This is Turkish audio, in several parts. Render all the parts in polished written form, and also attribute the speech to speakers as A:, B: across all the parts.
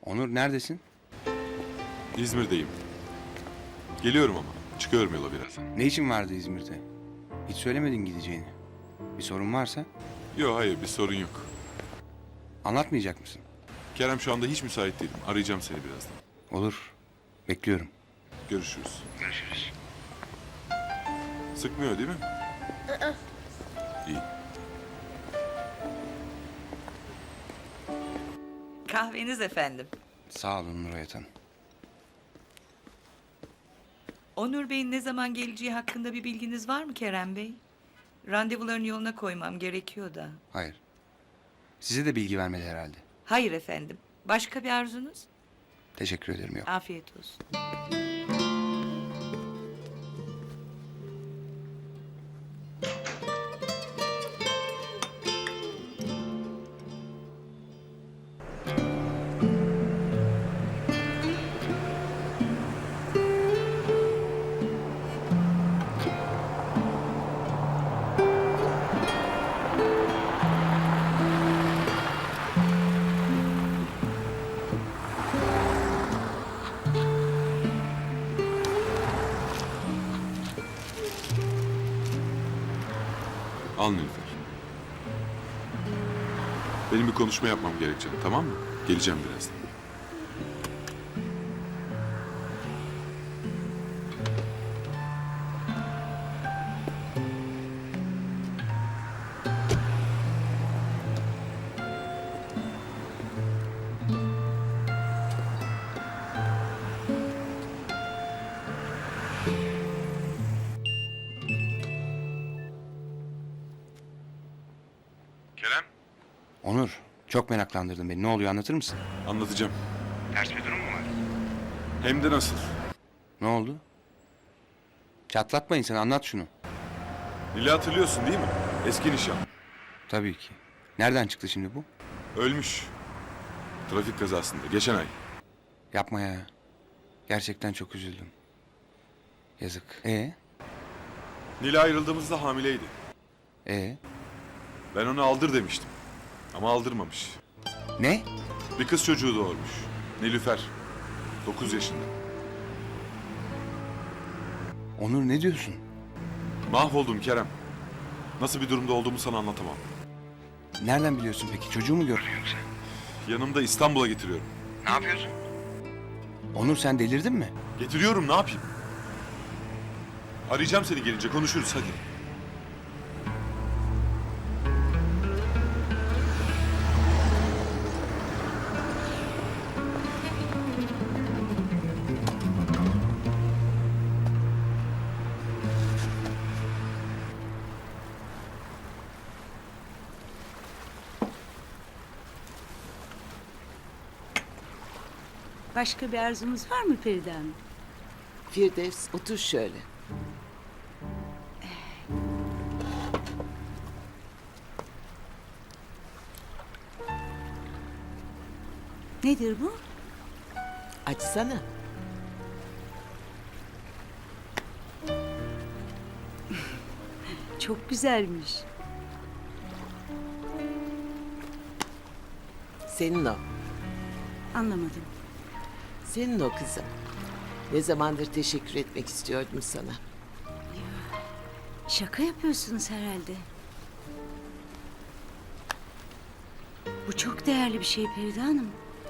A: Onur neredesin?
B: İzmir'deyim. Geliyorum ama. Çıkıyorum yola birazdan.
A: Ne için vardı İzmir'de? Hiç söylemedin gideceğini. Bir sorun varsa
B: Yok hayır bir sorun yok.
A: anlatmayacak mısın?
B: Kerem şu anda hiç müsait değilim. Arayacağım seni birazdan.
A: Olur. Bekliyorum.
B: Görüşürüz. Sıkmıyor değil mi? İyi.
C: Kahveniz efendim.
A: Sağ olun Nurayet Hanım.
C: Onur Bey'in ne zaman geleceği hakkında bir bilginiz var mı Kerem Bey? Randevularını yoluna koymam gerekiyor da.
A: Hayır. Size de bilgi vermedi herhalde.
C: Hayır efendim. Başka bir arzunuz?
A: Teşekkür ederim yok.
C: Afiyet olsun.
B: Al Nilüfer. Benim bir konuşma yapmam gerekecek, tamam mı? Geleceğim birazdan. Kerem?
A: Onur, çok meraklandırdın beni. Ne oluyor anlatır mısın?
B: Anlatacağım.
A: Ters bir durum mu var?
B: Hem de nasıl?
A: Ne oldu? Çatlatma insanı, anlat şunu.
B: Nil'i hatırlıyorsun değil mi? Eski nişan.
A: Tabii ki. Nereden çıktı şimdi bu?
B: Ölmüş. Trafik kazasında, geçen ay.
A: Yapma ya. Gerçekten çok üzüldüm. Yazık.
B: Nil'e ayrıldığımızda hamileydi.
A: E
B: Ben onu aldır demiştim. Ama aldırmamış.
A: ne?
B: Bir kız çocuğu doğurmuş. Nilüfer. 9 yaşında.
A: Onur ne diyorsun?
B: Mahvoldum Kerem. Nasıl bir durumda olduğumu sana anlatamam.
A: Nereden biliyorsun peki? Çocuğu mu gördün yoksa?
B: Yanımda İstanbul'a getiriyorum.
A: Ne yapıyorsun? Onur sen delirdin mi?
B: Getiriyorum, ne yapayım? Arayacağım seni gelince, konuşuruz hadi.
D: Başka bir arzumuz var mı Feride Hanım?
E: Firdevs otur şöyle.
D: Nedir bu?
E: Açsana.
D: Çok güzelmiş.
E: Senin o.
D: Anlamadım.
E: Senin o kızım. Ne zamandır teşekkür etmek istiyordum sana.
D: Şaka yapıyorsunuz herhalde. Bu çok değerli bir şey Feride Hanım.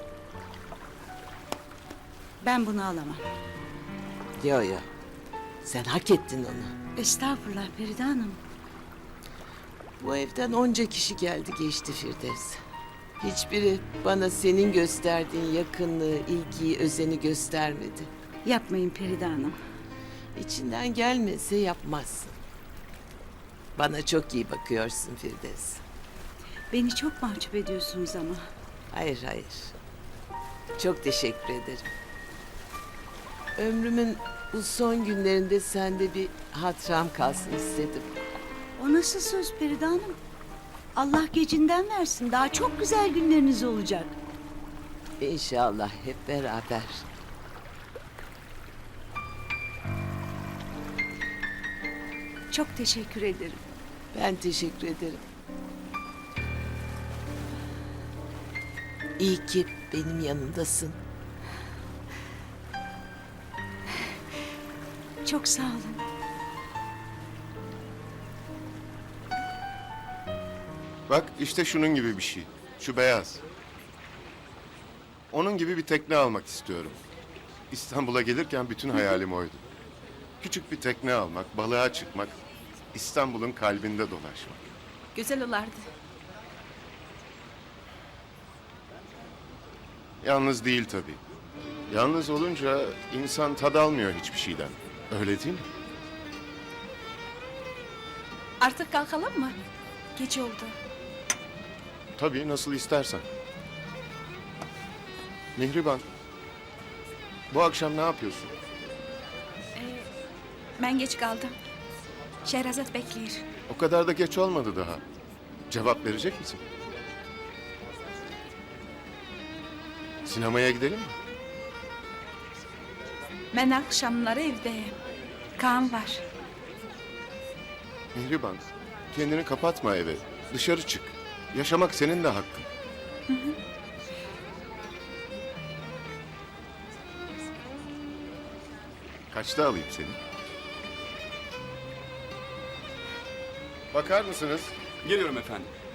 D: Ben bunu alamam.
E: Yo yo. Sen hak ettin onu.
D: Estağfurullah Feride Hanım.
E: Bu evden onca kişi geldi geçti Firdevs. Hiçbiri bana senin gösterdiğin yakınlığı, ilgiyi, özeni göstermedi.
D: Yapmayın Feride Hanım.
E: İçinden gelmese yapmazsın. Bana çok iyi bakıyorsun Firdevs.
D: Beni çok mahcup ediyorsunuz ama.
E: Hayır hayır. Çok teşekkür ederim. Ömrümün bu son günlerinde sende bir hatıram kalsın istedim.
D: O nasıl söz Feride Hanım? Allah gecinden versin. Daha çok güzel günleriniz olacak.
E: İnşallah hep beraber.
D: Çok teşekkür ederim.
E: Ben teşekkür ederim. İyi ki benim yanındasın.
D: Çok sağ olun.
F: Bak işte şunun gibi bir şey. Şu beyaz. Onun gibi bir tekne almak istiyorum. İstanbul'a gelirken bütün hayalim oydu. Küçük bir tekne almak, balığa çıkmak, İstanbul'un kalbinde dolaşmak.
G: Güzel olardı.
F: Yalnız değil tabii. Yalnız olunca insan tad almıyor hiçbir şeyden. Öyle değil mi?
G: Artık kalkalım mı? Geç oldu.
F: Tabii nasıl istersen. Mihriban, bu akşam ne yapıyorsun?
G: Ben geç kaldım. Şehrazat bekliyor.
F: O kadar da geç olmadı daha. Cevap verecek misin? Sinemaya gidelim mi?
G: Ben akşamları evdeyim. Kaan var.
F: Mihriban, kendini kapatma eve. Dışarı çık. Yaşamak senin de hakkın. Kaçta alayım seni? Bakar mısınız?
H: Geliyorum efendim.